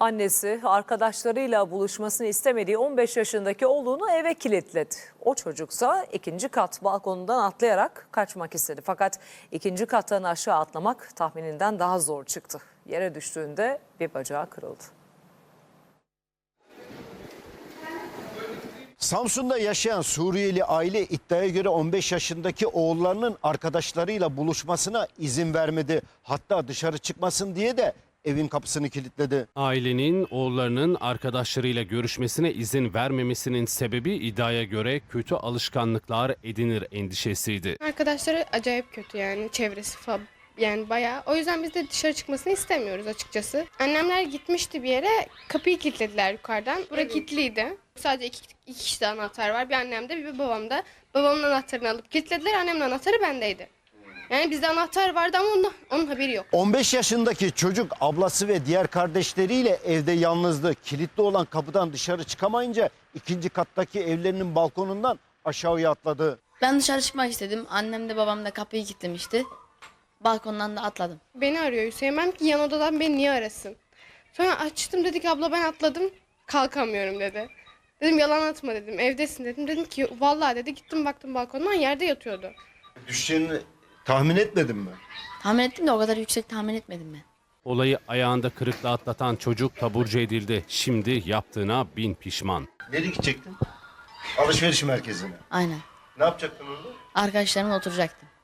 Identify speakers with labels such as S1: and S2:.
S1: Annesi arkadaşlarıyla buluşmasını istemediği 15 yaşındaki oğlunu eve kilitledi. O çocuksa ikinci kat balkonundan atlayarak kaçmak istedi. Fakat ikinci kattan aşağı atlamak tahmininden daha zor çıktı. Yere düştüğünde bir bacağı kırıldı.
S2: Samsun'da yaşayan Suriyeli aile iddiaya göre 15 yaşındaki oğullarının arkadaşlarıyla buluşmasına izin vermedi. Hatta dışarı çıkmasın diye de evin kapısını kilitledi.
S3: Ailenin oğullarının arkadaşlarıyla görüşmesine izin vermemesinin sebebi iddiaya göre kötü alışkanlıklar edinir endişesiydi.
S4: Arkadaşları acayip kötü yani çevresi falan. Yani bayağı. O yüzden biz de dışarı çıkmasını istemiyoruz açıkçası. Annemler gitmişti bir yere, kapıyı kilitlediler yukarıdan. Burası kilitliydi. Sadece iki kişi de anahtar var. Bir annemde bir babamda. Babamın anahtarını alıp kilitlediler. Annemin anahtarı bendeydi. Yani bizde anahtar vardı ama onun haberi yok.
S2: 15 yaşındaki çocuk ablası ve diğer kardeşleriyle evde yalnızdı. Kilitli olan kapıdan dışarı çıkamayınca ikinci kattaki evlerinin balkonundan aşağıya atladı.
S5: Ben dışarı çıkmak istedim. Annem de babam da kapıyı kilitlemişti. Balkondan da atladım.
S4: Beni arıyor Hüseyin. Ben ki yan odadan beni niye arasın? Sonra açtım, dedi ki abla ben atladım. Kalkamıyorum dedi. Dedim yalan atma dedim. Evdesin dedim. Dedim ki vallahi dedi. Gittim baktım balkondan yerde yatıyordu.
S2: Düşeceğini tahmin etmedin mi?
S5: Tahmin ettim de o kadar yüksek tahmin etmedim ben.
S3: Olayı ayağında kırıkla atlatan çocuk taburcu edildi. Şimdi yaptığına bin pişman.
S2: Nereye gidecektin? Alışveriş merkezine.
S5: Aynen.
S2: Ne yapacaktın orada?
S5: Arkadaşlarımla oturacaktım.